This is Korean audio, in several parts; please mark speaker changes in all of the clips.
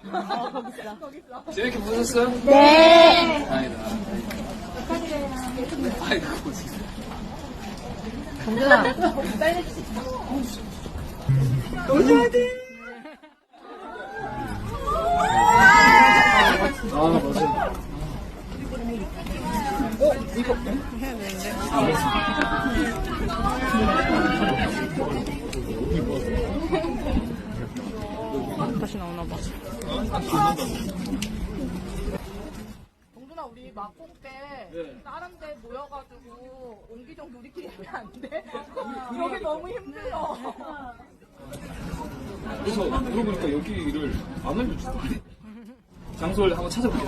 Speaker 1: 재밌게 보셨어요?
Speaker 2: 네.
Speaker 1: 다행이다. 아이고, 진짜.
Speaker 2: 강준아.
Speaker 1: 아, 맞아. 이거 해야 되는데. 다시 나오나 봐.
Speaker 3: 동준아, 우리 막공 때 다른 데 모여가지고 옹기종 우리끼리 하면 안 돼? 여기 너무 힘들어.
Speaker 1: 그래서 물어보니까 여기를 안 알려주던데. 장소를 한번 찾아볼게요.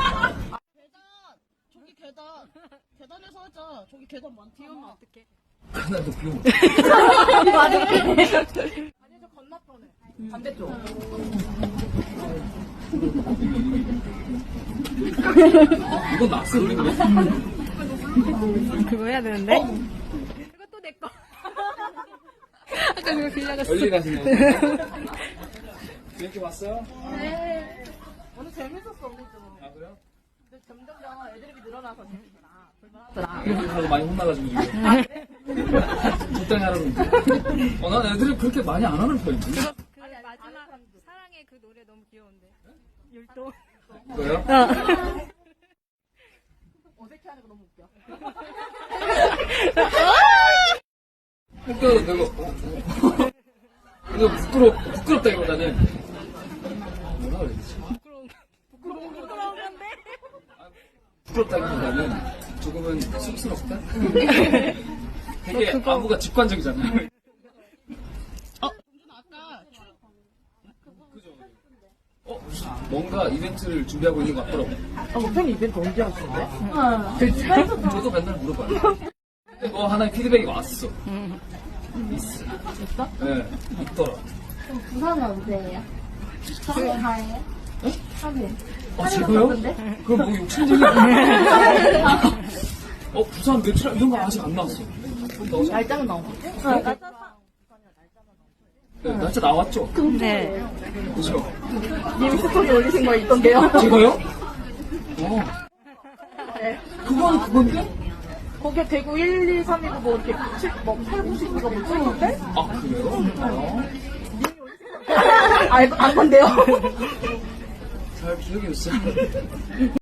Speaker 3: 저기 계단에서 하자. 저기 계단 많다. 비 오면 어떡해?
Speaker 1: 그날도 비 오면.
Speaker 3: 아니, 저 건너편에. 반대쪽.
Speaker 1: 이건 낙서 우리가 왜?
Speaker 2: 그거 해야 되는데? 이것도 내 거. 아까 그거 빌려갔어.
Speaker 1: 멀리 가시네요. 재밌게 봤어요?
Speaker 3: 네. 오늘 재밌었어, 오늘 좀.
Speaker 1: 아, 그래요?
Speaker 3: 근데 점점 애드립이 늘어나서 재밌더라. 불만하더라.
Speaker 1: 애들하고 많이 혼나가지고 지금. 적당히 하라고. 난 애들이 그렇게 많이 안 하는 편인데.
Speaker 2: 그 마지막 사랑의 그 노래 너무 귀여운데. 율동.
Speaker 1: 그거요?
Speaker 3: 어색해 하는 거 너무 웃겨.
Speaker 1: 학교도 내가 이거 부끄럽다기보다는 뭐라 그래야 되지? 부끄럽다기보다는 조금은 쑥스럽다? 되게 안무가 직관적이잖아요. 그죠? 뭔가 이벤트를 준비하고 있는 것 같더라고.
Speaker 3: 팬 이벤트 언제 하시는데?
Speaker 1: 저도 맨날 물어봐요. 근데 뭐 하나의 피드백이 왔어. 있어.
Speaker 3: 있어?
Speaker 1: 네, 있더라.
Speaker 4: 부산은 언제예요? 3일. 3일.
Speaker 1: 아, 제가요? 그럼 뭐 욕심쟁이야. 부산 며칠 이런 거 아직 안 나왔어.
Speaker 3: 날짜는 나온 거.
Speaker 1: 네, 날짜 나왔죠?
Speaker 2: 네.
Speaker 1: 그죠?
Speaker 3: 님 스토리 올리신 거 있던데요?
Speaker 1: 제가요?
Speaker 3: 네.
Speaker 1: 그건데?
Speaker 3: 거기에 대구 1, 2, 3이고 뭐 이렇게 7, 뭐 8, 9, 10이가 뭐 찍었는데?
Speaker 1: 아, 그래요?
Speaker 3: 안 건데요?
Speaker 1: 잘 기억이 없어요.